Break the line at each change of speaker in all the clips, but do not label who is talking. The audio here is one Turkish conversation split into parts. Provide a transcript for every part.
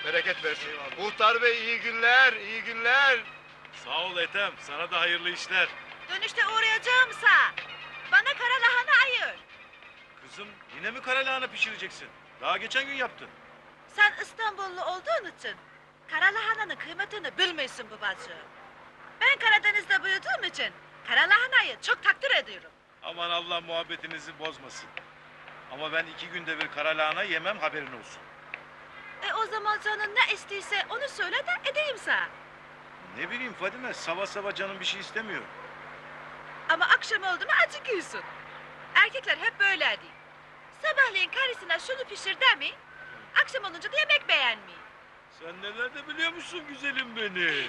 Bereket versin. Muhtar bey iyi günler, iyi günler.
Sağ ol Ethem, sana da hayırlı işler.
Dönüşte uğrayacağımsa bana kara lahana ayır.
Kızım, yine mi kara lahana pişireceksin? Daha geçen gün yaptın.
Sen İstanbullu olduğun için kara lahananın kıymetini bilmiyorsun babacığım. Ben Karadeniz'de büyüdüğüm için kara lahanayı çok takdir ediyorum.
Aman Allah muhabbetinizi bozmasın. Ama ben 2 günde bir kara lahana yemem, haberin olsun.
O zaman canın ne istiyse onu söyle de edeyim sana.
Ne bileyim Fadime, sabah sabah canım bir şey istemiyor.
Ama akşam oldu mu acıkıyorsun. Erkekler hep böyle değil. Sabahleyin karısına şunu pişir mi? Akşam olunca da yemek beğenmiyor.
Sen neler de biliyormuşsun güzelim benim.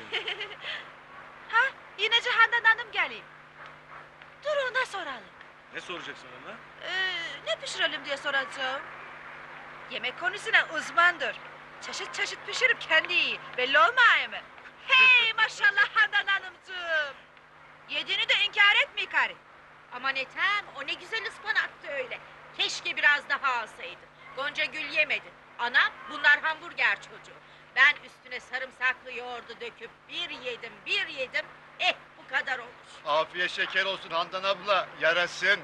Ha, yine Handan Hanım geleyim. Dur ona soralım.
Ne soracaksın ona?
Ne pişirelim diye soracağım. Yemek konusuna uzmandır. Çeşit çeşit pişirip kendi yiyor. Belli olmuyor mu? Hey maşallah Handan Hanımcığım. Yediğini de inkar etmiyor karı.
Aman Ethem, o ne güzel ıspanaktı öyle. Keşke biraz daha alsaydın. Gonca Gül yemedi. Anam, bunlar hamburger çocuğu. Ben üstüne sarımsaklı yoğurdu döküp bir yedim, bir yedim. Bu kadar olur.
Afiyet şeker olsun Handan abla, yarasın.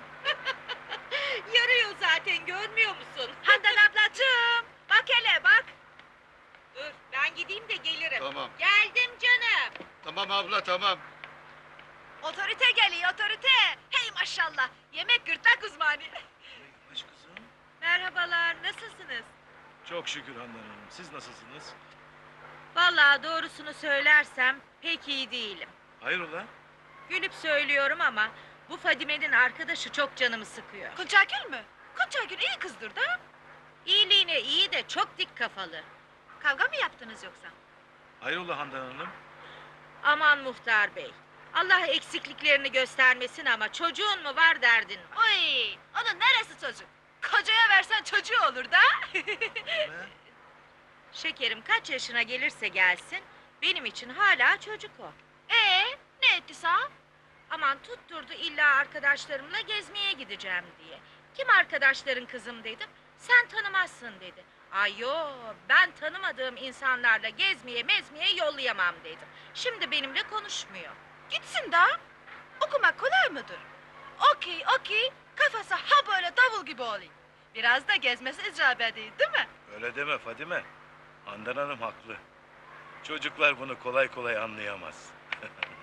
Yarıyor zaten, görmüyor musun?
Handan ablacığım. Bak hele bak.
Dur, ben gideyim de gelirim.
Tamam.
Geldim canım.
Tamam abla, tamam.
Otorite geliyor otorite. Hey maşallah. Yemek gırtlak uzmanı.
Baş kızım.
Merhabalar nasılsınız?
Çok şükür Handan Hanım, siz nasılsınız?
Vallahi doğrusunu söylersem pek iyi değilim.
Hayrola?
Gülüp söylüyorum ama bu Fadime'nin arkadaşı çok canımı sıkıyor.
Kuncagül mü? Kuncagül iyi kızdır da.
İyiliğine iyi de çok dik kafalı.
Kavga mı yaptınız yoksa?
Hayrola Handan Hanım?
Aman muhtar bey. Allah eksikliklerini göstermesin ama çocuğun mu var derdin mi?
Oy, onun neresi çocuk? Kocaya versen çocuğu olur da.
Ne?
Şekerim kaç yaşına gelirse gelsin benim için hala çocuk o.
Ne etti sağ?
Aman tutturdu illa arkadaşlarımla gezmeye gideceğim diye. Kim arkadaşların kızım dedim. Sen tanımazsın dedi. Ay yo, ben tanımadığım insanlarla gezmeye mezmeye yollayamam dedim. Şimdi benimle konuşmuyor.
Gitsin da. Okumak kolay mıdır? Okey, kafası ha böyle davul gibi olayım. Biraz da gezmesi icap ediyor, değil mi?
Öyle deme Fadime. Handan Hanım haklı. Çocuklar bunu kolay kolay anlayamaz.